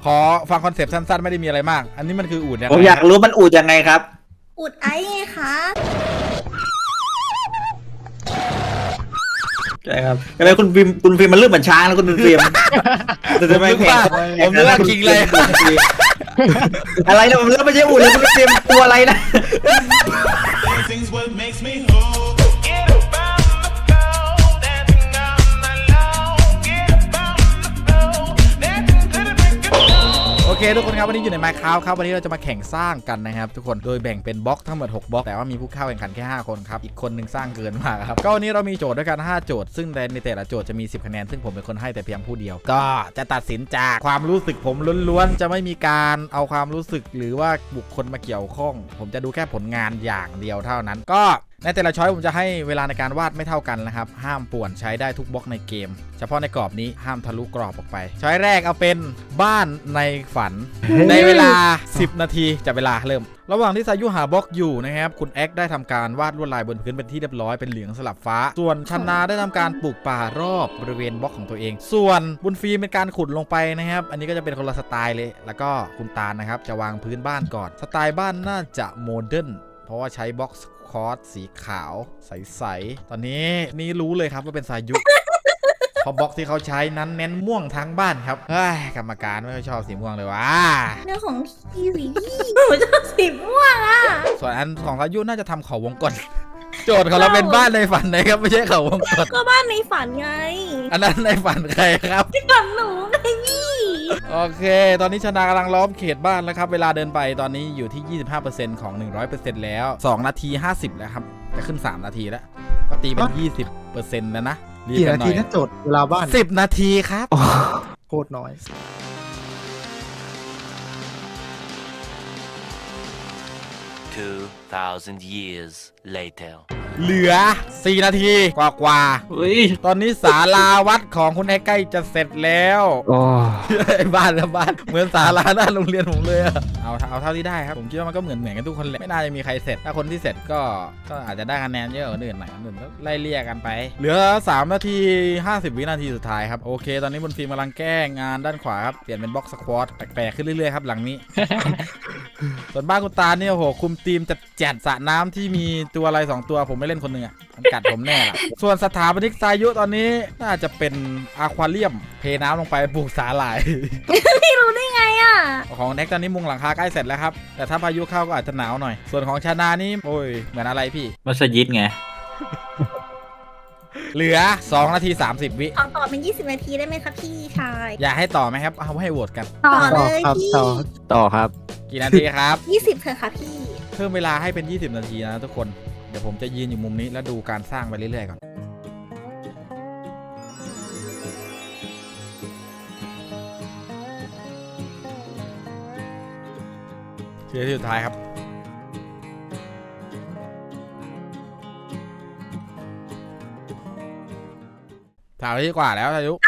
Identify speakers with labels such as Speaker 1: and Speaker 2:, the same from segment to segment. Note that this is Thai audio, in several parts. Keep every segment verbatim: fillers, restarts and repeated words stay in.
Speaker 1: ขอฟังคอนเซปต์สั้นๆไม่ได้มีอะไรมากอันนี้มันคืออูฐยังไง
Speaker 2: ผมอยากรู้มันอูดยังไงครับ
Speaker 3: อุดไอ้ไงคะ
Speaker 2: ใช่ครับอะไรคุณฟิล์มคุณฟิล์มมันเรื่องเหมือนช้างแล้วคุณฟิล์มแต่ทำไมแข่ง
Speaker 1: ผมนึกว่าคิงเลย
Speaker 2: อะไรนะผมเลือกไม่ใช่อูดเลยคุณฟิล์มตัวอะไรนะ
Speaker 4: Dancing's what makes me whole. Get up on the floor, dancing on the low. Get up on the floor, dancing to the break of dawn.
Speaker 1: โอเคทุกคนครับวันนี้อยู่ใน Minecraft ครับวันนี้เราจะมาแข่งสร้างกันนะครับทุกคนโดยแบ่งเป็นบล็อกทั้งหมดหกบล็อกแต่ว่ามีผู้เข้าแข่งขันแค่ห้าคนครับอีกคนหนึ่งสร้างเกินมากครับก็วันนี้เรามีโจทย์ด้วยกันห้าโจทย์ซึ่งในแต่ละโจทย์จะมีสิบคะแนนซึ่งผมเป็นคนให้แต่เพียงผู้เดียวก็จะตัดสินจากความรู้สึกผมล้วนๆจะไม่มีการเอาความรู้สึกหรือว่าบุคคลมาเกี่ยวข้องผมจะดูแค่ผลงานอย่างเดียวเท่านั้นก็ในแต่ละช้อยผมจะให้เวลาในการวาดไม่เท่ากันนะครับห้ามป่วนใช้ได้ทุกบล็อกในเกมเฉพาะในกรอบนี้ห้ามทะลุกรอบออกไปช้อยแรกเอาเป็นบ้านในฝัน ในเวลาสิบนาทีจะเวลาเริ่มระหว่างที่สายุหาบล็อกอยู่นะครับคุณแอ็กได้ทำการวาดลวดลายบนพื้นเป็นที่เรียบร้อยเป็นเหลืองสลับฟ้าส่วนชนาได้ทำการปลูกป่ารอบบริเวณบล็อกของตัวเองส่วนบุญฟิล์มเป็นการขุดลงไปนะครับอันนี้ก็จะเป็นคนละสไตล์เลยแล้วก็คุณตาลนะครับจะวางพื้นบ้านก่อนสไตล์บ้านน่าจะโมเดิร์นเพราะว่าใช้บล็อกคอร์สสีขาวใสๆตอนนี้นี่รู้เลยครับว่าเป็นสายุ เพราะบล็อกที่เขาใช้นั้นเน้นม่วงทั้งบ้านครับเฮ้ยกรรมการไม่ค่อยชอบสีม่วงเลยว่ะ
Speaker 3: เรื่องของพี่สีพี่หนูชอบสีม่วงอ่ะ
Speaker 1: ส่วนอันของสายุน่าจะทำเขาวงกตโจทย์ของเราเป็นบ้านในฝันนะครับไม่ใช่เขาวงกต
Speaker 3: ก็บ้านในฝันไง
Speaker 1: อันนั้นในฝันใครครับ
Speaker 3: ที่ฝันหนูไงพี่
Speaker 1: โอเค ตอนนี้ชนากำลังล้อมเขตบ้านแล้วครับเวลาเดินไปตอนนี้อยู่ที่ ยี่สิบห้าเปอร์เซ็นต์ ของ หนึ่งร้อยเปอร์เซ็นต์ แล้วสองนาทีห้าสิบแล้วครับจะขึ้นสามนาทีแล้วก็ตีเป็น ยี่สิบเปอร์เซ็นต์ แล้วนะรีบ
Speaker 5: กี่
Speaker 1: กัน
Speaker 5: นา
Speaker 1: หน่
Speaker 5: ที
Speaker 1: อย
Speaker 5: ถ้าโจทย์เวลาบ้าน
Speaker 1: สิบนาทีครับ
Speaker 5: โคตรน้อย
Speaker 6: Two thousand years later.
Speaker 1: เหลือสี่นาทีกว่ากว่า
Speaker 2: เฮ้ย
Speaker 1: ตอนนี้ศาลาวัดของคุณไอ้ใกล้จะเสร็จแล้วไอ้บ้านละบ้านเหมือนศาลาหน้าโรงเรียนผมเลยอะเอาเอาเท่าที่ได้ครับผมคิดว่ามันก็เหมือนเหมือนกันทุกคนแหละไม่น่าจะมีใครเสร็จถ้าคนที่เสร็จก็ก็อาจจะได้คะแนนเยอะกว่าคนอื่นหน่อยคนอื่นก็ไล่เลี่ยกันไป เหลือสามนาทีห้าสิบวินาทีสุดท้ายครับโอเคตอนนี้บนฟิล์มกำลังแก้งานด้านขวาครับเปลี่ยนเป็นบล็อกสควอตแปลกๆขึ้นเรื่อยๆครับหลังนี้ ส่วนบ้านคุณตาเนี่ยโอ้โหคุมทีมจัดจัดสระน้ำที่มีตัวอะไรสองตัวผมไม่เล่นคนหนึ่งอ่ะมันกัดผมแน่ละส่วนสถาปนิกสายุตอนนี้น่าจะเป็นอะควาเรียมเทน้ำลงไปปลูกสาหร่าย
Speaker 3: พี่รู้ได้ไงอ่ะ
Speaker 1: ของแน็กตอนนี้มุงหลังคาใกล้เสร็จแล้วครับแต่ถ้าพายุเข้าก็อาจจะหนาวหน่อยส่วนของชานานี่โอ้ยเหมือนอะไรพี่
Speaker 2: มัสยิดไง
Speaker 1: เหลือสองนาทีสามสิบวิ
Speaker 3: ขอต่อเป็นยี่สิบนาทีได้ไหมคะพี่ชาย
Speaker 1: อยากให้ต่อไหมครับเอาให้โหวตกัน
Speaker 3: ต่อ
Speaker 5: ต่
Speaker 3: เล
Speaker 5: อย ครับ
Speaker 3: พี่
Speaker 5: ต่อ
Speaker 7: ต่อครับ
Speaker 1: กี่นาทีครับ
Speaker 3: ยี่สิบเถอะค่ะพี่
Speaker 1: เพิ่มเวลาให้เป็นยี่สิบนาทีนะทุกคนเดี๋ยวผมจะยืนอยู่มุมนี้แล้วดูการสร้างไปเรื่อยๆก่อนทีที่สุดท้ายครับสามนาทีกว่าแล้วอายุ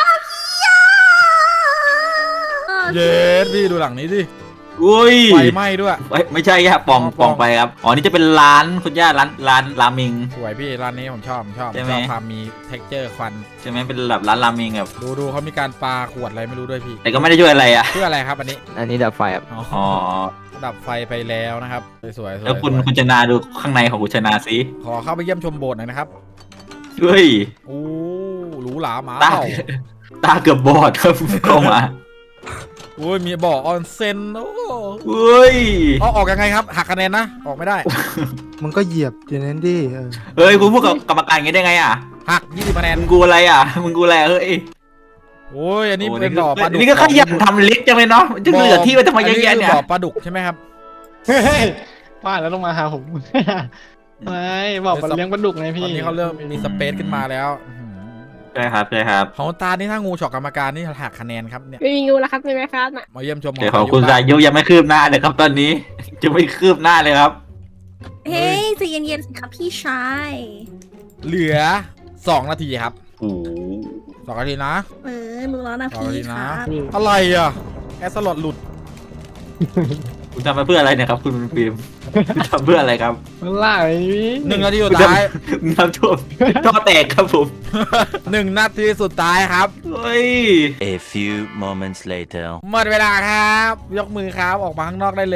Speaker 1: เย็ดพี่ดูหลังนี้ดิ
Speaker 2: อุ้ย
Speaker 1: ไฟไหม้ด้วย
Speaker 2: เฮ้ยไม่ใช่ครับปอง
Speaker 1: ป
Speaker 2: ป
Speaker 1: อ
Speaker 2: อง งไปครับอ๋อนี่จะเป็นร้านคุณย่าร้านร้านราเมง
Speaker 1: สวยพี่ร้านนี้ผมชอบผมชอบ
Speaker 2: ใช่ไหม
Speaker 1: ชอบความมี texture ควัน
Speaker 2: ใช่ไหมเป็นแบบร้านราเมงแบบ
Speaker 1: ดูดูเขามีการปาขวดอะไรไม่รู้ด้วยพี่
Speaker 2: แต่ก็ไม่ได้ช่วยอะไรอ่ะ
Speaker 1: เพื่ออะไรครับอันนี้
Speaker 7: อันนี้ดับไฟครับ
Speaker 1: อ๋อ
Speaker 2: อ๋อ
Speaker 1: ดับไฟไปแล้วนะครับสวยๆสวยๆ
Speaker 2: แล้วคุณ
Speaker 1: สวย
Speaker 2: คุณชนาดูข้างในของคุณชนาสิ
Speaker 1: ขอเข้าไปเยี่ยมชมโบสถ์หน่อยนะครับ
Speaker 2: เฮ้ย
Speaker 1: โอ้หรูหราหมา
Speaker 2: ตา
Speaker 1: เห่า
Speaker 2: ตาเกือบบอดครับเข้ามา
Speaker 1: โอ้ยมีบ่อออนเซ็นโอ้
Speaker 2: เฮ้ย
Speaker 1: เอาออกยังไงครับหักคะแนนนะออกไม่ได้
Speaker 5: มึงก็เหยียบอย่างนั้นดิเออ
Speaker 2: เฮ้ยคุณพูดกับกรรมการอย่างนี้ได้ไงอ่ะ
Speaker 1: หักยี่สิบคะแนน
Speaker 2: มึงกูอะไรอ่ะมึงกูอะไรอะเฮ้ย
Speaker 1: โอ้ยอันนี้
Speaker 2: โอ้
Speaker 1: เป็นบ่อปลาดุก
Speaker 2: นี่ก็ขยันทำลิฟต์จังเลยเนาะจะเหลือที่ไว้ทำไมเยอะแยะเนี่ย
Speaker 1: บ่อปลาดุกใช่ไหมครับ
Speaker 8: เฮ้ยป้าแล้วต้องมาหาผม ไม่บอกมันเลี้ยงปลาดุกไง
Speaker 1: ต
Speaker 8: พี่
Speaker 1: อนนี้เขาเริ่มมีสเปซขึ้นมาแล้วอื้อหือ
Speaker 2: ใช่ครับใช่ครับ
Speaker 1: ของตานี่ถ้างูฉกกรรมการนี่หักคะแนนครับเนี่ย
Speaker 9: ไม่มีงูแล้วครับไม่ไหมครับน่ะ
Speaker 1: มาเยี่ยมชม
Speaker 2: แต่ของคุณสายุยังไม่คืบหน้าเลยครับตอนนี้ จะไม่คืบหน้าเลยครับ
Speaker 3: เฮ้ยใจเย็นๆสิครับพี่ชาย
Speaker 1: เหลือสองนาทีครับ
Speaker 2: โอ้โห
Speaker 1: สองนาทีนะ
Speaker 3: เออรู้แล้วนะ
Speaker 1: สองนาที
Speaker 3: พี่ค
Speaker 1: นะ
Speaker 3: รับ
Speaker 1: อะไรอ่ะแอสลอดหลุด
Speaker 2: คุณทำมาเพื่ออะไรเนี่ยครับคุณฟิล์มคุณทำเพื่ออะไรครับ
Speaker 8: มันล่าไอ้นี่
Speaker 1: หนึ่งนาทีสุ
Speaker 2: คุณ
Speaker 1: ด
Speaker 2: ท
Speaker 1: ท้าย
Speaker 2: ำน้ำท่วมท่อแตกครับผม
Speaker 1: หนึ่งนาทีสุดท้ายครับ
Speaker 2: เฮ้ย
Speaker 6: A few moments later.
Speaker 1: หมดเวลาครับ ยกมือครับออกมาข้างนอกได้เลย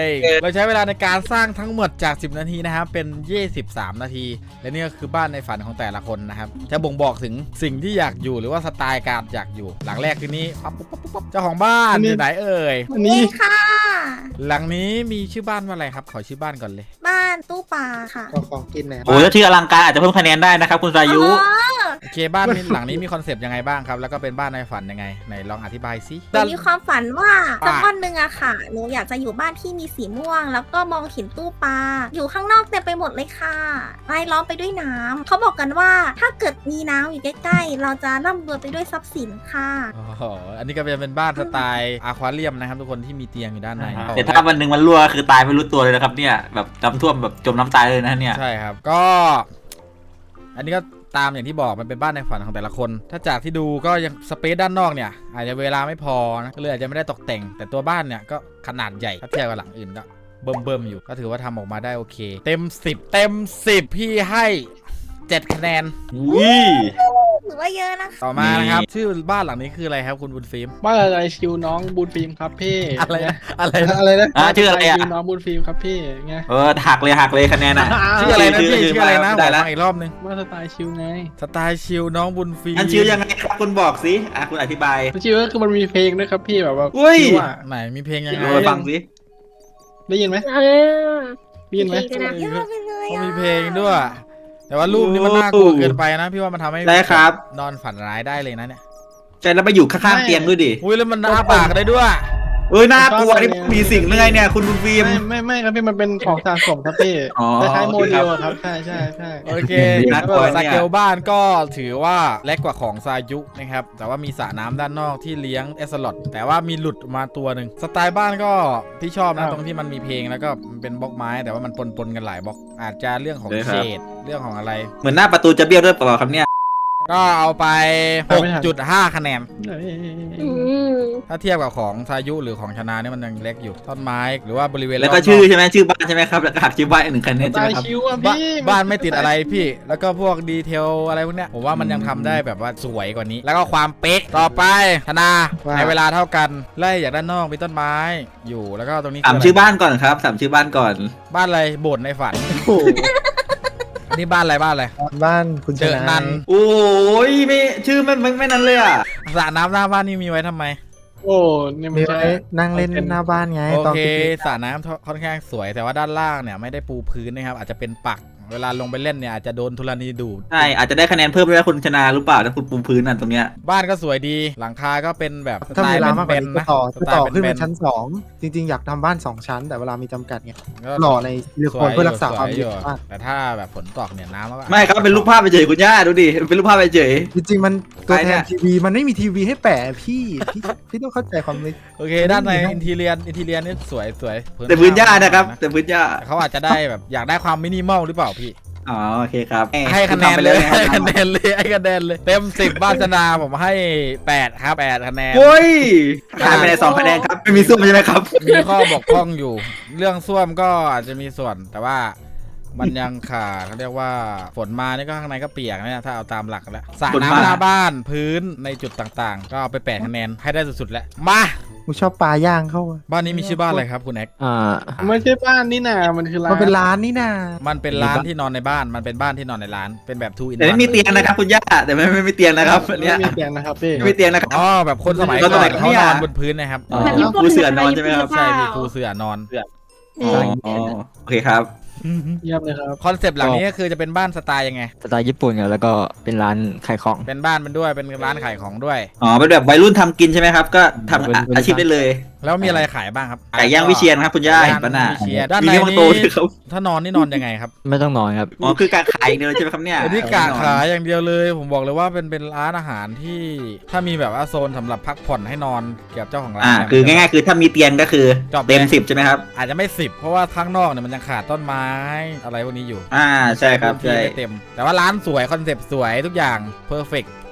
Speaker 1: เราใช้เวลาในการสร้างทั้งหมดจากสิบนาทีนะครับเป็นยี่สิบสามนาที และนี่ก็คือบ้านในฝันของแต่ละคนนะครับจะบ่งบอกถึงสิ่งที่อยากอยู่หรือว่าสไตล์การอยากอยู่ หลังแรกคือนี้ปั๊บปุ๊บปุ๊บปุ๊บเจ้าของบ้านอยู่ไหนเอ่ย
Speaker 8: อันนี้
Speaker 3: นี่ค่ะ
Speaker 1: หลังนี้มีชื่อบ้านว่าอะไรครับขอชื่อบ้านก่อนเลย
Speaker 3: บ้านตู้ปลาค่ะ
Speaker 5: ก็ของกินเนี่ย
Speaker 2: โอ้ยถ้าชื่ออลังการอาจจะเพิ่มคะแนนได้นะครับคุณสายุ
Speaker 3: อ๋อ
Speaker 1: โอเคบ้านนี้หลังนี้มีคอนเซปต์ยังไงบ้างครับแล้วก็เป็นบ้านในฝันยังไงไหนลองอธิบายสิ
Speaker 3: หนูมีความฝันว่า
Speaker 1: ว่า
Speaker 3: สักวันหนึ่งอะค่ะ หนูอยากจะอยู่บ้านที่มีสีม่วง แล้วก็มองเห็นตู้ปลา อยู่ข้างนอกเต็มไปหมดเลยค่ะรายล้อมไปด้วยน้ำ เขาบอกกันว่าถ้าเกิดมีน้ำอยู่ใกล้ๆ เราจะร่ำรวยไปด้วยทรัพย์สินค่ะ
Speaker 1: อ๋ออันนี้ก็จะเป็นบ้านสไตล์อควาเรียมนะครับทุกคนที่มีเตียงอยู่ด้านใน
Speaker 2: แต่ถ้าวันหนึ่งมันรั่วคือตายไม่รู้ตัวเลยนะครับเนี่ยแบบน้ำท่วมแบบจมน้ำตายเลยนะเนี่ย
Speaker 1: ใช่ครับก็ อันนี้ก็ตามอย่างที่บอกมันเป็นบ้านในฝันของแต่ละคน ถ้าจากที่ดูก็ยังสเปซด้านนอกเนี่ยอาจจะเวลาไม่พอนะก็เลยอาจจะไม่ได้ตกแต่ง แต่ตัวบ้านเนี่ยก็ขนาดใหญ่ถ้าเทียบกับหลังอื่นก็เบิ่มเบิ่มๆอยู่ก็ถือว่าทำออกมาได้โอเค เต็มสิบเต็มสิบพี่ให้เจ็ดคะแนน
Speaker 2: อุ้ย
Speaker 3: หรือว่าเยอะนะคะ
Speaker 1: ต่อมานะครับชื่อบ้านหลังนี้คืออะไรครับคุณบุญฟิล์ม
Speaker 8: บ้านอะไรชิวน้องบูนฟิล์มครับพี่
Speaker 1: อะไรนะอะไรนะ
Speaker 5: อะไรนะ
Speaker 2: อ่ะชื่ออะไรอ่ะ
Speaker 8: ชิวน้องบูนฟิล์มครับพี่ไง
Speaker 2: เออหักเลยหักเลยคะแนนอ่ะ
Speaker 1: ชื่ออะไรนะพี่ชื่ออะไรนะ
Speaker 2: ได้
Speaker 1: บอก
Speaker 2: แล้ว
Speaker 1: มาอีกรอบนึง
Speaker 8: บ้านสไตล์ชิวไง
Speaker 1: สไตล์ชิลน้องบุญฟิล์ม
Speaker 2: อันชื่อยังไงครับคุณบอกสิอ่ะคุณอธิบาย
Speaker 8: ชิวก็คือมันมีเพลงด้วยครับพี่แบบว่า
Speaker 2: อุ้ย
Speaker 8: ชิวอะ
Speaker 1: ไหนมีเพลงยังไง
Speaker 2: ลองไปฟังสิ
Speaker 8: ได้ยินไหม
Speaker 3: เออ
Speaker 8: ได้ยินไหม
Speaker 3: เพลงกันนะเยอะไปเลย
Speaker 1: เขา
Speaker 3: อะ
Speaker 1: มีเพลงด้วย แต่ว่ารูปนี้มันน่ากลัวเกินไปนะพี่ว่ามันทำให้
Speaker 2: ได้ครับ
Speaker 1: นอนฝันร้ายได้เลยนะเนี่ย
Speaker 2: ใจแล้วไปอยู่ข้างๆเตียงด้วยดิ
Speaker 1: อุ้ยแล้วมันอ้าปากได้ด้วย
Speaker 2: เอ้ยน่ากลัวนี่มีสิ่งเรื่อยเนี่ยคุณบุญฟิล์ม
Speaker 8: ไม่ไม่ไม่ครับพี่มันเป็นของสะสมครับพี่
Speaker 2: อ๋อ
Speaker 8: คล้ายๆ
Speaker 2: โอ
Speaker 8: โม
Speaker 2: เค
Speaker 8: เด
Speaker 2: ครับ
Speaker 8: ลอะครับใช่ใช่ใช่
Speaker 1: โอเค
Speaker 2: น่ากลัวเนี่ย
Speaker 1: สเกลบ้านก็ถือว่าเล็กกว่าของซายุนะครับแต่ว่ามีสระน้ำด้านนอกที่เลี้ยงเอสลอดแต่ว่ามีหลุดมาตัวหนึ่งสไตล์บ้านก็ที่ชอบนะตรงที่มันมีเพลงแล้วก็มันเป็นบล็อกไม้แต่ว่ามันปนๆกันหลายบล็อกอาจจะเรื่องของเฉดเรื่องของอะไร
Speaker 2: เหมือนหน้าประตูจะเบี้ยวด้วยเปล่าครับเนี่ย
Speaker 1: ก็เอาไป หกจุดห้า คะแนน
Speaker 3: อืม
Speaker 1: ถ้าเทียบกับของซายุหรือของชนะเนี่ยมันยังเล็กอยู่ต้นไม้หรือว่าบริเวณ
Speaker 2: แล้วก็
Speaker 1: รบน
Speaker 2: ชื่อใช่ไหมชื่อบ้านใช่ไหมครับแล้วก็หักชื่อบ้านอีกหนึ่งคะแนน
Speaker 8: ส
Speaker 2: ใช่
Speaker 8: ไต
Speaker 2: ไหม
Speaker 8: ล์
Speaker 2: ครับ
Speaker 8: ชิวอะ
Speaker 1: บ้า
Speaker 8: พี่
Speaker 1: บ้านไม่ติดอะไรพี่ แล้วก็พวกดีเทลอะไรพวกเนี้ยผมว่ามันยังทำได้แบบว่าสวยกว่านี้ แล้วก็ความเป๊ะต่อไปธนาในเวลาเท่ากันไล่จากด้านนอกมีต้นไม้อยู่แล้วก็ตรงนี้
Speaker 2: สามชื่อบ้านก่อนครับสามชื่อบ้านก่อน
Speaker 1: บ้านอะไรโบสถ์ในฝัน
Speaker 5: โอ้โห
Speaker 1: อันนี้บ้านอะไรบ้านอะไร
Speaker 5: บ้านคุณช
Speaker 1: เจอนั
Speaker 5: นะ
Speaker 1: น
Speaker 2: โอ้ยไม่ชื่อไม่ไม่ไม่นั้นเลยอ่ะ
Speaker 1: สระน้ำหน้าบ้านนี่มีไว้ทำไม
Speaker 8: โอ้นี่มัน
Speaker 5: มี
Speaker 8: ใช่
Speaker 5: ไว้นั่งเล่นหน้าบ้านไง
Speaker 1: โอ
Speaker 5: ตอน
Speaker 1: เค
Speaker 5: ปิกนิก
Speaker 1: สระน้ำค่อนข้างสวยแต่ว่าด้านล่างเนี่ยไม่ได้ปูพื้นนะครับอาจจะเป็นปักเวลาลงไปเล่นเนี่ยอาจจะโดนธรณีดูด
Speaker 2: ใช่อาจจะได้คะแนนเพิ่มด้วยนะคุณชนะหรือเปล่าถ้าคุณปูพื้นนั่นตรงเนี้ย
Speaker 1: บ้านก็สวยดีหลังคาก็เป็นแบบส
Speaker 5: ถ้า
Speaker 1: ไต
Speaker 5: มี
Speaker 1: ล์
Speaker 5: เวลามากกว่า
Speaker 1: เป็น
Speaker 5: นี้
Speaker 1: ๆ
Speaker 5: ก็
Speaker 1: นะ
Speaker 5: ต่อ
Speaker 1: ส
Speaker 5: ก็
Speaker 1: ไต
Speaker 5: ต่อ
Speaker 1: ล์
Speaker 5: ขึ้น
Speaker 1: เป็
Speaker 5: เป็น นชั้นสองจริง ๆ อยากทำบ้านสองชั้น แต่เวลามีจำกัดไง
Speaker 1: ๆก็
Speaker 5: หล่อในซิลิโคนเพื่อรักษาความ
Speaker 1: ส
Speaker 5: เย็
Speaker 1: ย
Speaker 5: นบ้าน
Speaker 1: แต่ถ้าแบบฝนตกเนี่ยน้ำก็
Speaker 2: ไม่ครับเป็นรูปภาพไปเฉยคุณย่าดูดิเป็นรูปภาพไปเฉย
Speaker 5: จริงๆมันตัว
Speaker 2: ใคร
Speaker 5: แท
Speaker 2: เนี่
Speaker 5: น
Speaker 2: ย
Speaker 5: ทีวีมันไม่มีทีวีให้แปะพี่พี่พี่ต้องเข้าใจความเลย
Speaker 1: โอเคด้านในอินทีเรียนอินทีเรียนนี่สวยสวย
Speaker 2: แต่พื้นย่านะครับแต่พื้นย่า
Speaker 1: แต่เขาอาจจะได้แบบอยากได้ความมินิมอลหรือเปล่าพี่
Speaker 2: อ๋อโอเคครับ
Speaker 1: ให้คะแนน
Speaker 2: ทำไป
Speaker 1: เลย
Speaker 2: นะ
Speaker 1: ให้
Speaker 2: ค
Speaker 1: คะ
Speaker 2: รับ
Speaker 1: แนนเลยให้คะแนนเลยเต็มสิบบ้านชนาผมให้แปดครับแปดคะแนน
Speaker 2: โอ้ยขาดไปในสองคะแนนครับไม่มีส้วมใช่ไหมครับ
Speaker 1: มีข้อบกพร่องอยู่ เรื่องส้วมก็อาจจะมีส่วนแต่ว่ามันยังขาดเขาเรียกว่าฝนมานี่ก็ข้างในก็เปียกนะถ้าเอาตามหลักแล้วสระ
Speaker 2: ฝนมา
Speaker 1: น้ำหน้าบ้านพื้นในจุดต่างๆ ก็เอาไปแปดคะแนนให้ได้สุดๆแล้วมา
Speaker 5: กูชอบปลาย่างเข้าอะ
Speaker 1: บ้านนี้มีชื่อบ้านอะไรครับคุณแอ็ก
Speaker 7: อ่า
Speaker 8: ไม่ใช่บ้านนี่นามันคือร้าน
Speaker 5: มันเป็นร้านนี่นา
Speaker 1: มันเป็นร้านที่นอนในบ้าน มันเป็นบ้านที่นอนในร้าน เป็นแบบทูอิน
Speaker 2: แต่ไม่มีเตียงนะครับคุณย่าแต่ไม่ไม่มีเตียงนะครับอัน
Speaker 8: ไม่
Speaker 2: เนี้ย
Speaker 8: มีเตียงนะครับพี่
Speaker 2: ไม่มีเตียงนะครับ
Speaker 1: อ๋อแบบคนสมัย
Speaker 2: ก็
Speaker 1: ก่อน
Speaker 2: สมัย
Speaker 1: เขา
Speaker 2: เนี่ย
Speaker 1: นอนบนพื้นนะครับ
Speaker 2: อ๋อปูเสื่อนอนใช่ไหมครับ
Speaker 1: ใช่มีครูเสื่อนอน
Speaker 2: อ๋ออ๋อโอเคครับ
Speaker 8: เยี่ยมเลยครับ
Speaker 1: คอนเซปต์หลังนี้ก็คือจะเป็นบ้านสไตล์ยังไง
Speaker 7: สไตล์ญี่ปุ่นครับแล้วก็เป็นร้านขายของ
Speaker 1: เป็นบ้านมันด้วย เป็นร้านขายของด้วย
Speaker 2: อ๋อเป็นแบบวัยรุ่นทำกินใช่ไหมครับ ก็ทำอาอาชีพได้เลย
Speaker 1: แล้วมีอะไรขายบ้างครับ
Speaker 2: ไก่ย่างวิเชียนครับคุณย่าเห็นปะน่ะ
Speaker 1: วิเชียรด้าน
Speaker 2: มี
Speaker 1: ใน
Speaker 2: เรื่อง
Speaker 1: นี้
Speaker 2: โตด้วยครับ
Speaker 1: ถ้านอนนี่นอนยังไงครับ
Speaker 7: ไม่ต้องนอนครับ
Speaker 2: อ๋อคือการขายอย่างเดียวเลยใช่ไหมครับเนี่ย
Speaker 1: อันนี้กะขายอย่างเดียวเลย ผมบอกเลยว่าเป็นเป็นร้านอาหารที่ถ้ามีแบบว่าโซนสำหรับพักผ่อนให้นอนเกี่ยวกับเจ้าของร้าน
Speaker 2: อ่า
Speaker 1: เนี่ย
Speaker 2: คือง่ายๆคือถ้ามีเตียงก็คือ
Speaker 1: จบเลย
Speaker 2: เต็มสิบใช่ไหมครับ
Speaker 1: อาจจะไม่สิบเพราะว่าข้างนอกเนี่ยมันยังขาดต้นไม้อะไรพวกนี้อยู่
Speaker 2: อ่าใช่ครับ
Speaker 1: พื้นที่
Speaker 2: ใช่
Speaker 1: ไม่เต็ม แต่ว่าร้านสวยคอนเซปต์สวยทุกอย่างเพอร์เฟก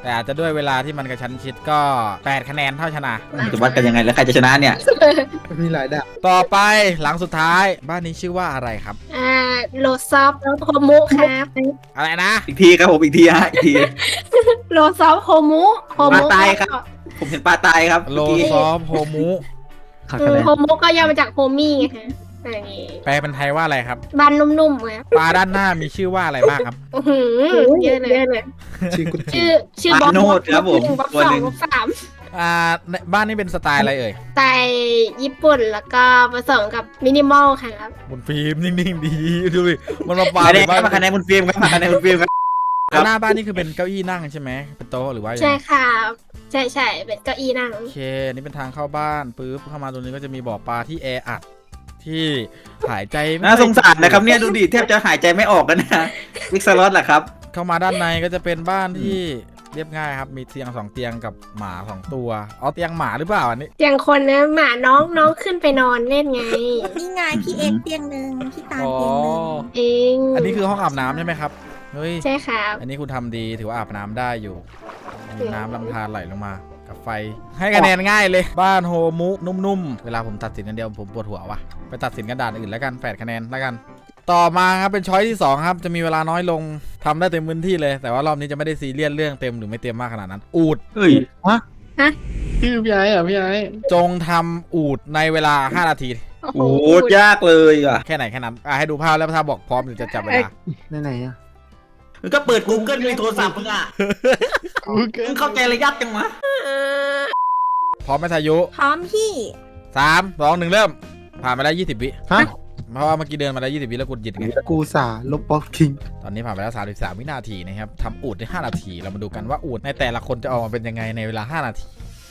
Speaker 1: แต่อาจจะด้วยเวลาที่มันกระชั้นชิดก็แปดคะแนนเท่าชนะ
Speaker 2: จะวัดกันยังไงแล้วใครจะชนะเนี่ย
Speaker 5: มีหลายด่าน
Speaker 1: ต่อไปหลังสุดท้ายบ้านนี้ชื่อว่าอะไรครับ
Speaker 9: อ่าโลซอฟโฮมุครับ
Speaker 1: อะไรนะ
Speaker 2: อีกทีครับผมอีกทีฮะอีกที
Speaker 9: โลซอฟโฮมุโฮมุ
Speaker 2: มาตายครับ ผมเห็นปลาตายครับ
Speaker 1: โล
Speaker 2: เมื่อกี้
Speaker 1: ซอฟโฮมุ
Speaker 7: ขาด
Speaker 9: อื
Speaker 7: คะ
Speaker 9: ม
Speaker 7: แนน
Speaker 9: โฮมุก็ย่อมาจากโฮมี่ไงฮะอย่างงี้
Speaker 1: แปลเป็นไทยว่าอะไรครับ
Speaker 9: บ้านนุ่มๆครับ
Speaker 1: ปลาด้านหน้ามีชื่อว่าอะไรบ้างครับ
Speaker 9: อื้อหือเยอะเลย
Speaker 5: ชื่อกุญ
Speaker 9: ชื่อชื่อ
Speaker 2: ป
Speaker 9: บ
Speaker 2: ลา
Speaker 9: อส
Speaker 2: โนดครับผม
Speaker 9: บอส
Speaker 2: ตัว
Speaker 9: สอ
Speaker 2: ห
Speaker 9: ง
Speaker 2: นึ่ง
Speaker 9: บอสสาม
Speaker 1: อ่าในบ้านนี้เป็นสไตล์อะไรเอ่ย
Speaker 9: ไตญี่ปุ่นแล้วก็ผสมกับมินิมอลครับ
Speaker 1: บนฟิล์มนิ่งๆดีดูดิมันมาปา
Speaker 2: คะแนน
Speaker 1: บ้าน
Speaker 2: มาคะแนนคุณฟิล์มครับมาคะแนนคุณฟิล์มครับ
Speaker 1: หน้าบ้านนี่คือเป็นเก้าอี้นั่งใช่ไหมเป็นโต๊ะหรือว่ายัง
Speaker 9: ใช่
Speaker 1: ไง
Speaker 9: ครับใช่ใช่เป็นเก้าอี้นั่ง
Speaker 1: โอเคอันนี่เป็นทางเข้าบ้านปุ๊บเข้ามาตรงนี้ก็จะมีบ่อปลาที่แออัดที่หายใจไม่
Speaker 2: น่าสงสารนะครับเนี่ยดูดิแทบจะหายใจไม่ออกกันนะวิกซาลอสแหละครับ
Speaker 1: เข้ามาด้านในก็จะเป็นบ้านที่เรียบง่ายครับมีเตียงสองเตียงกับหมาสองตัวเอาเตียงหมาหรือเปล่าอันนี้
Speaker 9: เตียงคนนะหมาน้องน้องขึ้นไปนอนเล่นไง
Speaker 3: นี่ไงพี่เอ็กเตียงหนึ่งพี่ตาล
Speaker 1: อ๋อ
Speaker 3: เตียงหนึ่ง
Speaker 9: เอง
Speaker 1: อันนี้คือห้องอาบน้ำใช่ไหมครับเฮ้ย
Speaker 9: ใช่ครับ
Speaker 1: อันนี้คุณทำดีถือว่าอาบน้ำได้อยู่มีน้ำลำธารไหลลงมากับไฟ ให้คะแนนง่ายเลยบ้านโฮมุนุ่มๆเวลาผมตัดสินกันเดียวผมปวดหัวว่ะไปตัดสินกันด่านอื่นแล้วกันแปดคะแนนแล้วกัน ต่อมาครับเป็นช้อยที่สองครับจะมีเวลาน้อยลงทำได้เต็มพื้นที่เลย แต่ว่ารอบนี้จะไม่ได้ซีเรียสเรื่องเต็มหรือไม่เต็มมากขนาดนั้น อูด
Speaker 2: เฮ้ย
Speaker 8: พี่พี่ไอ้เหรอพี่ไอ้
Speaker 1: จงทำอูดในเวลาห้านาที
Speaker 9: โอ้โห
Speaker 2: โอ้โหยากเลยอ่ะ
Speaker 1: แค่ไหนแค่นั้นอ่ะให้ดูภาพแล้วถ้าบอกพร้อมเดี๋ยวจะจับเวลา
Speaker 5: ไหนๆอ่ะ
Speaker 2: มึงก็เปิด Google ในโทรศัพท์มึงอ่ะมึงเข้าใจอะไรยากจังวะ
Speaker 1: พร้อมไหมทายุ
Speaker 3: พร้อมพี่
Speaker 1: สามสองหนึ่งเริ่มผ่านไปแล้วยี่สิบวิ
Speaker 5: ฮะ
Speaker 1: เพราะว่าเมื่อกี้เดินมาแล้วยี่สิบวิแล้วกดหยิดไง
Speaker 5: กูสาลบป๊อปคิง
Speaker 1: ตอนนี้ผ่านไปแล้วสามสิบสามวินาทีนะครับทำอูดได้ห้านาที เรามาดูกันว่าอูดในแต่ละคนจะออกมาเป็นยังไงในเวลาห้านาที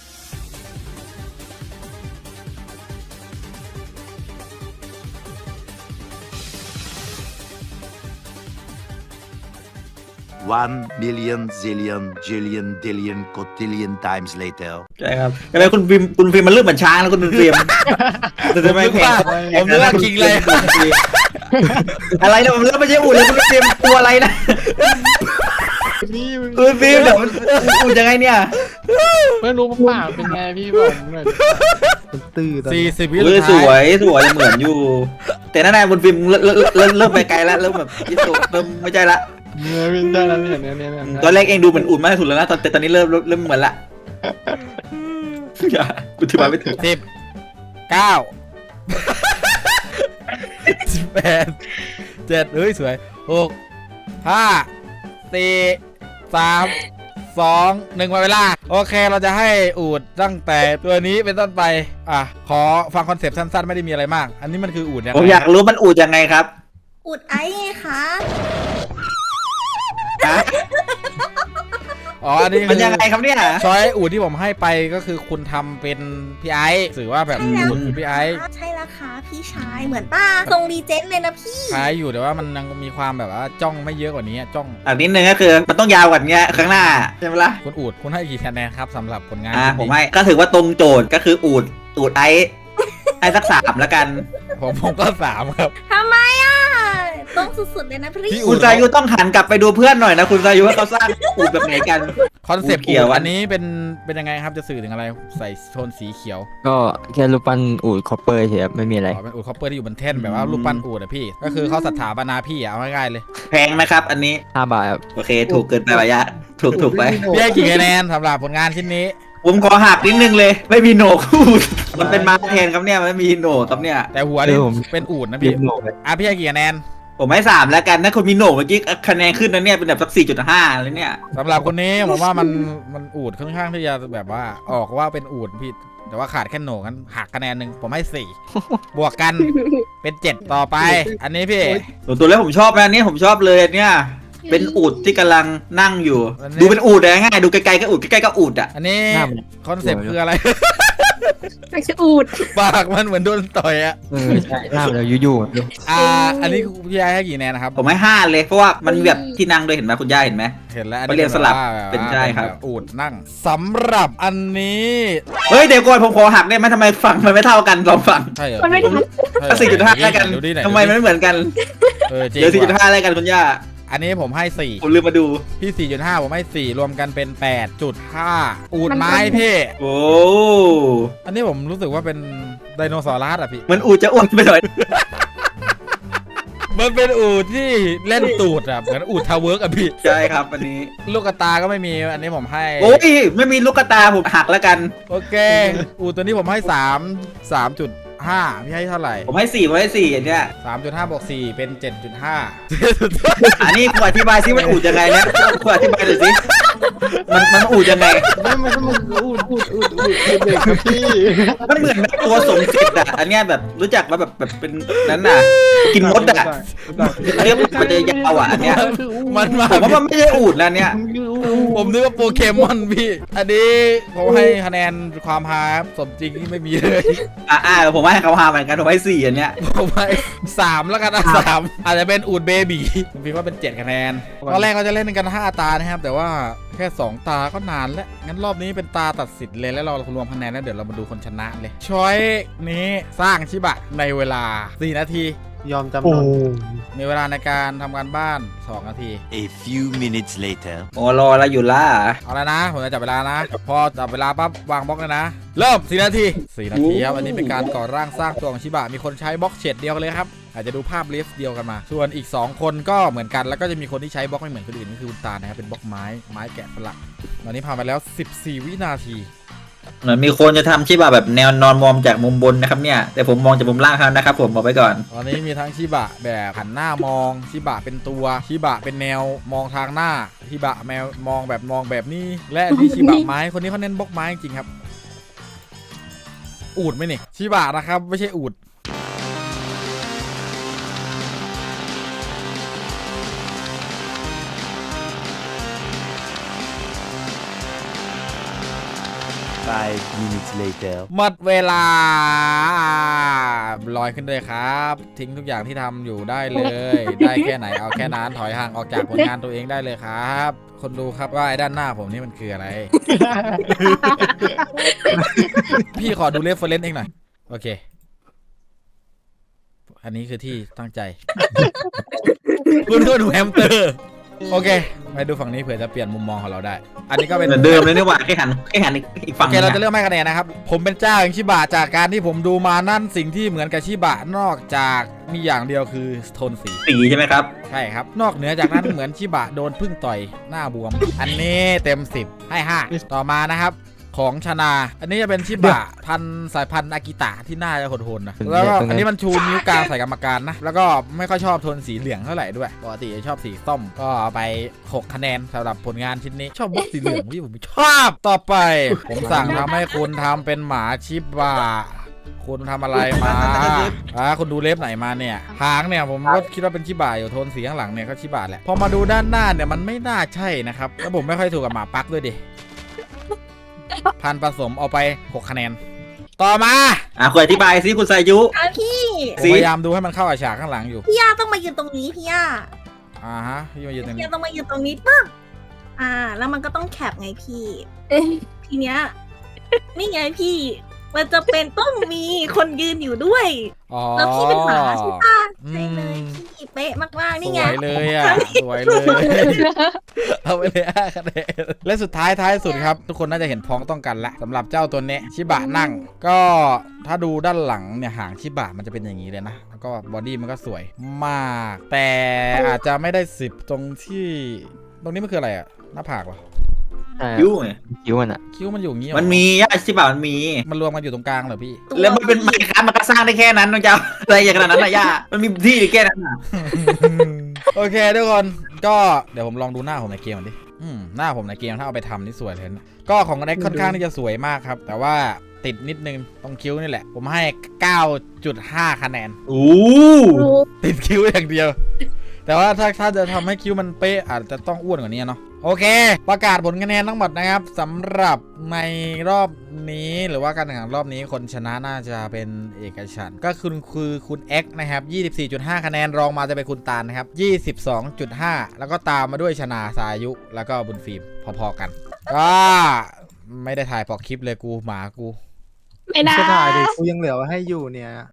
Speaker 6: One million zillion jillion dillion cotillion times later.
Speaker 2: ใช่ครับอะไรคุณฟิล์มคุณฟิล์มมันเริ่มเหมือนช้างแล้วคุณฟิล์มแต่ทำไมแข่ง
Speaker 1: ผมนึกว่าคิงเลย
Speaker 2: อะไรนะผมเริ่มไม่ใช่อู่เลยคุณฟิล์มตัวอะไรนะ
Speaker 8: พี่มึง
Speaker 2: คุณฟิล์มเดี๋ยวมันอู่ยังไงเนี่ย
Speaker 8: ไม่รู้ป่าเป็นไงพี่บอกผมหน่อยดิ
Speaker 5: เป็นตื้อตอน
Speaker 1: สี่
Speaker 5: นี้
Speaker 1: สิบวิ
Speaker 2: เออ
Speaker 1: สุด
Speaker 2: สว
Speaker 1: ท้าย
Speaker 2: ยสวยเหมือนอยู่ แต่นั่นนายคุณฟิล์มเริ่มเริ่มเริ่มเริ่มไปไกลแล้วเริ่มแบบยิ่งโตเริ่มไม่ใช่ละ
Speaker 8: เนี่ยพี่ได้แล้วเนี่ยเนี่ยเนี่ยเนี่ย
Speaker 2: ตอนแรกเองดูเหมือนอุ่นมากที่สุดแล้วนะตอนแต่ตอนนี้เริ่มเริ่มเหมือนละอย่ากูถือมาไม่ถึง
Speaker 1: สิบเก้าสิบแปดเจ็ดเฮ้ยสวยหกห้าสี่สามสองหนึ่งหมดเวลาโอเคเราจะให้อูดตั้งแต่ตัวนี้เป็นต้นไปอ่ะขอฟังคอนเซปต์สั้นๆไม่ได้มีอะไรมาก อันนี้มันคืออูดยัง
Speaker 2: ผม
Speaker 1: ไง
Speaker 2: อยากรู้มันอู่ยังไงครับ
Speaker 3: อุดไอ้ไงคะ
Speaker 2: ฮะ
Speaker 1: อ๋ออันนี้
Speaker 2: มันยังไงครับเนี่ย
Speaker 1: ช้อยอูดที่ผมให้ไปก็คือคุณทำเป็นพี่ไอซ์ถือว่าแบบอูดคือพี่ไอซ์
Speaker 3: ใช่แล้วค่ะพี่ชายเหมือนป้าทรงรีเจนเลยนะพี่
Speaker 1: คล้ายอยู่แต่ว่ามันยังมีความแบบว่าจ้องไม่เยอะกว่านี้จ้อง
Speaker 2: อันนิดนึงก็คือมันต้องยาวกว่านี้ข้างหน้าใช่ไหมล่ะ
Speaker 1: คุณอูดคุณให้กี่คะแนนครับสำหรับผลงาน
Speaker 2: อ่า
Speaker 1: ชิ้น
Speaker 2: ผม
Speaker 1: นี้
Speaker 2: ให้ก็ถือว่าตรงโจทย์ก็คืออูดอูดไอซ์ไอซ์สักสามแล้วกัน
Speaker 1: ผมผมก็สามครับ
Speaker 3: ทำไมอ่ะ ต้องสุดๆเลยนะพี่
Speaker 1: พี่
Speaker 2: คุณสายุต้องหันกลับไปดูเพื่อนหน่อยนะคุณสายุว่าเขาสร้างอูดแบบไหนกัน
Speaker 1: คอนเซปต์
Speaker 2: เขียว
Speaker 1: อันนี้เป็นเป็นยังไงครับจะสื่อถึงอะไรใส่โทนสีเขียว
Speaker 7: ก็แค่รูปปั้นอูดคอปเปอร์เฉยครับไม่มีอะไร
Speaker 1: อ๋อเป็นอูดคอปเปอร์ที่อยู่บนแท่นแบบว่ารูปปั้นอูดอะพี่ ก็คือเขาศรัทธาบรรณาพี่อะเอาง่ายๆเลย
Speaker 2: แพงนะครับ อันนี้
Speaker 7: ห้าบาทครับ
Speaker 2: โอเค ถูกเกินไประยะ ถูกถูกไป
Speaker 1: พี่ให้กี่คะแนนสำหรับผลงานชิ้นนี้
Speaker 2: ผมขอหักนิดนึงเลย ไม่มีโหนกอูดมันเป็นมาแทนครับเนี่ยไม่มีโหนกครับเนี่ย
Speaker 1: แต่หัวนี่เป็นอูดนะ
Speaker 7: เรี
Speaker 1: พี่
Speaker 7: ยบโหนกเลย
Speaker 1: อ่ะพี่ให้กี่คะแนน
Speaker 2: ผมให้สามแล้วกันถ้าคุณมีโหนกเมื่อกี้คะแนนขึ้นนะเนี่ยเป็นแบบสักสี่จุดห้าเลยเนี่ย
Speaker 1: สำหรับคนนี้ผมว่ามันมันอูดค่อนข้างที่จะแบบว่าออกว่าเป็นอูดพี่แต่ว่าขาดแค่โหนกกันหักคะแนนหนึ่งผมให้สี่ บวกกันเป็นเจ็ดต่อไป อันนี้พี่
Speaker 2: ส่วนตัวแล้วผมชอบนะอันนี้ผมชอบเลยอันเนี่ยเป็นอูดที่กำลังนั่งอยู่
Speaker 1: อันนี้
Speaker 2: ดูเป็นอูดเลยง่ายดูไกลๆก็อูดใกล้ๆก็อูดอ่ะ
Speaker 1: อันนี้
Speaker 7: หน้ามัน
Speaker 1: คอนเซปต์คืออะไร
Speaker 9: ไม่ใช่อูด
Speaker 1: ปากมันเหมือนโดนต่อยอะ
Speaker 7: เออใช่หน้ามันเรายู่ๆอะ
Speaker 1: อ่า อันนี้พี่ยายให้กี่คะแนนนะครับ
Speaker 2: ผมให้ห้าเลยเพราะว่ามันมีแบบที่นั่งด้วยเห็นไหมคุณย่าเห็นไหม
Speaker 1: เห็นแล้วอัน
Speaker 2: เขา
Speaker 1: นี้
Speaker 2: เรียกสลับ
Speaker 1: แบบว่า
Speaker 2: เป็นใช่ครับ
Speaker 1: แบบอูดนั่งสำหรับอันนี้
Speaker 2: เฮ้ยเดี๋ยวก่อนผมขอหักได้ไหมทำไมฝั่งมันไม่เท่ากันลองฝั่ง
Speaker 1: ใช่เหรอ
Speaker 9: มันไม่ทัน
Speaker 1: ใช่เรอ
Speaker 2: สี่จุดห้าแล้วกัน
Speaker 1: ดูดิไหน
Speaker 2: ทำไมมันไม่เหมือนกัน
Speaker 1: เออจริง
Speaker 2: เดี๋ยวสี่จุด
Speaker 1: ว่ะ
Speaker 2: ห้าแล้วกันคุณย่า
Speaker 1: อันนี้ผมให้สี่
Speaker 2: ผมลืมมาดู
Speaker 1: พี่ สี่จุดห้า ผมให้สี่รวมกันเป็น แปดจุดห้า อูดไม้พี่
Speaker 2: โอ้
Speaker 1: อันนี้ผมรู้สึกว่าเป็นไดโนเสาร์ลัสอ่ะพี่
Speaker 2: มันอูจะอ้วนไปหน่อย
Speaker 1: มันเป็นอูดที่เล่นตูดอ่ะเหมือนอูดทาวเวิร์กอ่ะพี่
Speaker 2: ใช่ครับอันนี้
Speaker 1: ลูกกระตาก็ไม่มีอันนี้ผมให้
Speaker 2: โอ้ยไม่มีลูกกระตาผมหักแล้วกัน
Speaker 1: โอเค อูดตัวนี้ผมให้สาม สามจุดห้าพี่ให้เท่าไหร่
Speaker 2: ผมให้สี่ผมให้สี่อันเนี้ย
Speaker 1: สามจุดห้าบวกสี่เป็น เจ็ดจุดห้า
Speaker 2: อันนี้คุณอธิบายซิมันอูดยังไงเนี่ยคุณอธิบายหน่อยสิมันมันอูดยังไง
Speaker 8: ไม่ไม่ต้องอูดอูดอูดอูดอูดเด็กครับพี่
Speaker 2: มันเหมือนแบบตัวสมเสร็จอะอันเนี้ยแบบรู้จักว่าแบบแบบเป็นนั้นน่ะกินมดอะอันเนี้ยมันจะยาวอะอันเนี้ย
Speaker 1: มันมา
Speaker 2: ผมว่ามันไม่ใช่อูดนะเนี่ย
Speaker 1: ผมนึกว่าโปเกมอนพี่ อันนี้ผมให้คะแนนความฮาครับสมจริงที่ไม่มีเลย
Speaker 2: อ่าอ่าผมให้เขาหาเหมือนกันผมให้สี่อันเนี้ย
Speaker 1: ผมให้สามแล้วกันนะสามอาจจะเป็นอูดเบบีผมคิดว่าเป็นเจ็ดคะแนนตอนแรกเราจะเล่นกันห้าตานะครับแต่ว่าแค่สองตาก็นานแล้วงั้นรอบนี้เป็นตาตัดสินเลยแล้วเรารวมคะแนนแล้วเดี๋ยวเรามาดูคนชนะเลยช้อยนี้สร้างชิบะในเวลาสี่นาที
Speaker 5: ยอมจำ
Speaker 8: โอ้
Speaker 5: นน
Speaker 1: มีเวลาในการทำการบ้านสองนาที
Speaker 6: A few minutes later.
Speaker 2: โอ้รอแล้วอยู่ล่ะ
Speaker 1: เอาแล้วนะผมจะจับเวลานะ พอจับเวลาปั๊บวางบล็อกเลยนะเริ่มสี่นาทีสี่นาทีครับอันนี้เป็นการก่อร่างสร้างตัวของชิบะมีคนใช้บล็อกเฉดเดียวกันเลยครับอาจจะดูภาพเลฟเดียวกันมาส่วนอีกสองคนก็เหมือนกันแล้วก็จะมีคนที่ใช้บล็อกไม่เหมือนคนอื่นก็คือคุณตานะครับเป็นบล็อกไม้ไม้แกะสลักตอนนี้ผ่านไปแล้วสิบสี่วินาที
Speaker 2: เหมือนมีคนจะทำชิบะแบบแนวนอนมองจากมุมบนนะครับเนี่ยแต่ผมมองจากมุมล่างครับนะครับผมบอกไว้ก่อน
Speaker 1: ตอนนี้มีทั้งชิบะแบบหันหน้ามองชิบะเป็นตัวชิบะเป็นแนวมองทางหน้าชิบะแมวมองแบบมองแบบนี้ และที่ชิบะไม้คนนี้เขาเน้นบล็อกไม้จริงครับอูดไหมนี่ชิบะนะครับไม่ใช่อูด
Speaker 6: Five minutes later.
Speaker 1: หมดเวลาลอยขึ้นเลยครับ ทิ้งทุกอย่างที่ทำอยู่ได้เลย ได้แค่ไหนเอาแค่นั้นถอยห่างออกจากผลงานตัวเองได้เลยครับ คนดูครับว่าไอ้ด้านหน้าผมนี่มันคืออะไร พี่ขอดูเรฟเฟอเรนซ์เองหน่อยโอเค อันนี้คือที่ตั้งใจ คุณก็ดูแฮมสเตอร์โอเคไปดูฝั่งนี้เผื่อจะเปลี่ยนมุมมองของเราได้ อันนี้ก็เป็น
Speaker 2: เหมือนเดิมเลยนี่หว่าแค่หันแค่หันอีกฝั่
Speaker 1: โอง เคเราจะเลือกให้คะแนนนะครับผมเป็นเจ้าแห่งชิบะจากการที่ผมดูมานั่นสิ่งที่เหมือนกับชิบะนอกจากมีอย่างเดียวคือโทนสี
Speaker 2: สีใช่ไหมครับ
Speaker 1: ใช่ครับนอกเหนือจากนั้น เหมือนชิบะโดนพึ่งต่อยหน้าบวม อันนี้เต็มสิบให้ห้าต่อมานะครับของชนาอันนี้จะเป็นชิบะพันธุ์สายพันธุ์อากิตะที่หน้าจะโหดๆนะแล้วก็อันนี้มันชูนิ้วกลางใส่กรรมการนะแล้วก็ไม่ค่อยชอบโทนสีเหลืองเท่าไหร่ด้วยปกติจะชอบสีส้มก็เอาไปหกคะแนนสำหรับผลงานชิ้นนี้ชอบบล็อกสีเหลืองที่ผมชอบต่อไป ผมสั่งทำให้คุณทำเป็นหมาชิบะคุณทำอะไรมาอ่าคุณดูเล็บไหนมาเนี่ยหางเนี่ยผมก็คิดว่าเป็นชิบะอยู่โทนสีข้างหลังเนี่ยก็ชิบะแหละพอมาดูด้านหน้าเนี่ยมันไม่น่าใช่นะครับแล้วผมไม่ค่อยถูกกับหมาปักด้วยดิพันผสมเอาไปหกคะแนนต่อมา
Speaker 2: อ่ะคุณอธิบายซิคุณสายุ
Speaker 3: อ่ะพี่
Speaker 1: ผมพยายามดูให้มันเข้ากับฉากข้างหลังอยู่
Speaker 3: พี่ย่าต้องมายืนตรงนี้พี่ย่า
Speaker 1: อ่าฮะพี่มายืนตรง
Speaker 3: พี่
Speaker 1: นี้
Speaker 3: ย่าต้องมายืนตรงนี้ปึ๊บอ่า แล้วมันก็ต้องแคปไงพี่ทีเนี้ยนี่ไงพี่ มันจะเป็นต้องมีคนยืนอยู่ด้วย
Speaker 1: อ๋อ
Speaker 3: แล้วพี่เป็นหมาใช่ปะ
Speaker 1: อืม
Speaker 3: ใช่เลยพี่เป๊ะมากๆ
Speaker 1: ส
Speaker 3: นี่ไง
Speaker 1: วยเลยอ่ะสวยเลย เอาไปเลยห้าคะแนนและสุดท้ายท้ายสุดครับ ทุกคนน่าจะเห็นพ้องต้องกันละสำหรับเจ้าตัวนี้ชิบะนั่ง ก็ถ้าดูด้านหลังเนี่ยหางชิบะมันจะเป็นอย่างนี้เลยนะแล้วก็บอดี้มันก็สวยมาก แต่อาจจะไม่ได้สิบตรงที่ตรงนี้มันคืออะไรอ่ะหน้าผากเหรอ
Speaker 7: ใช่
Speaker 2: ยุ้ไง
Speaker 7: คิ้วมันอะ
Speaker 1: คิ้วมันอยู่อย่างงี้เหรอ
Speaker 2: มันมีย่าชิบะมันมี
Speaker 1: มันรวมกันอยู่ตรงกลางเหรอพี่
Speaker 2: แล้วมันเป็นไมค์ครับมันก็สร้างได้แค่นั้นมันจะอะไรอย่างขนาดนั้นนะย่ามันมีที่แค่นั้นน่ะ
Speaker 1: โอเคทุกคนก็เดี๋ยวผมลองดูหน้าผมในเกมก่อนดิอืมหน้าผมในเกมถ้าเอาไปทำนี่สวยเลยนะก็ของเน็กค่อนข้างที่จะสวยมากครับ แต่ว่าติดนิดนึงตรงคิ้วนี่แหละ ผมให้ เก้าจุดห้า คะแนน
Speaker 2: โอ้
Speaker 1: ติดคิ้วอย่างเดียว แต่ว่าถ้าถ้าจะทำให้คิ้วมันเป๊ะอาจจะต้องอ้วนกว่านี้เนาะโอเค ประกาศผลคะแนนทั้งหมดนะครับสำหรับในรอบนี้หรือว่าการแข่งขันรอบนี้คนชนะน่าจะเป็นเอกฉันท์ก็คือคือคุณเอ็กนะครับ ยี่สิบสี่จุดห้า คะแนนรองมาจะเป็นคุณตาลนะครับ ยี่สิบสองจุดห้า แล้วก็ตามมาด้วยชนาสายุแล้วก็บุญฟิล์มพอๆกัน ก็ไม่ได้ถ่ายพอคลิปเลยกูหมากู
Speaker 9: ไม่ได้
Speaker 5: จะถ่ายดิกูยังเหลือไว้ให้อยู่เนี่ย